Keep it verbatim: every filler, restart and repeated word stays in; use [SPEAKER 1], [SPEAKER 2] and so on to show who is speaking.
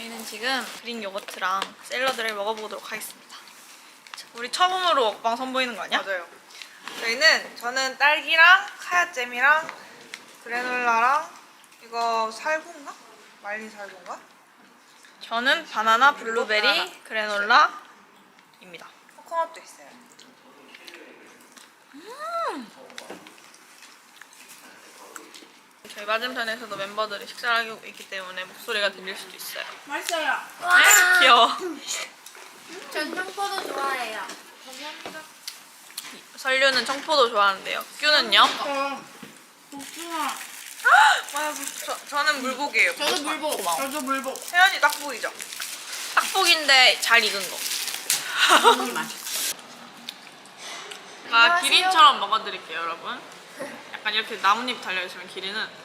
[SPEAKER 1] 저희는 지금 그릭 요거트랑 샐러드를 먹어보도록 하겠습니다. 우리 처음으로 먹방 선보이는 거 아니야?
[SPEAKER 2] 맞아요. 저희는 저는 딸기랑 카야잼이랑 그래놀라랑 이거 살구인가? 말린 살구인가?
[SPEAKER 1] 저는 바나나, 블루베리,
[SPEAKER 2] 바나나.
[SPEAKER 1] 그래놀라입니다.
[SPEAKER 2] 코코넛도 있어요.
[SPEAKER 1] 저희 맞은편에서도 멤버들이 식사를 하고 있기 때문에 목소리가 들릴 수도 있어요.
[SPEAKER 3] 맛있어요.
[SPEAKER 1] 귀여워.
[SPEAKER 3] 전 청포도 좋아해요. 감사합니다.
[SPEAKER 1] 설류는 청포도 좋아하는데요. 큐는요?
[SPEAKER 3] 저 복숭아.
[SPEAKER 2] 와, 저, 저는 물복이에요.
[SPEAKER 3] 저도 물복.
[SPEAKER 1] 고마워.
[SPEAKER 3] 저도 물복.
[SPEAKER 2] 세연이 딱 보이죠?
[SPEAKER 1] 딱복인데 잘 익은 거.
[SPEAKER 3] 이 맛있어.
[SPEAKER 1] 아, 기린처럼 먹어드릴게요, 여러분. 약간 이렇게 나뭇잎 달려있으면 기린은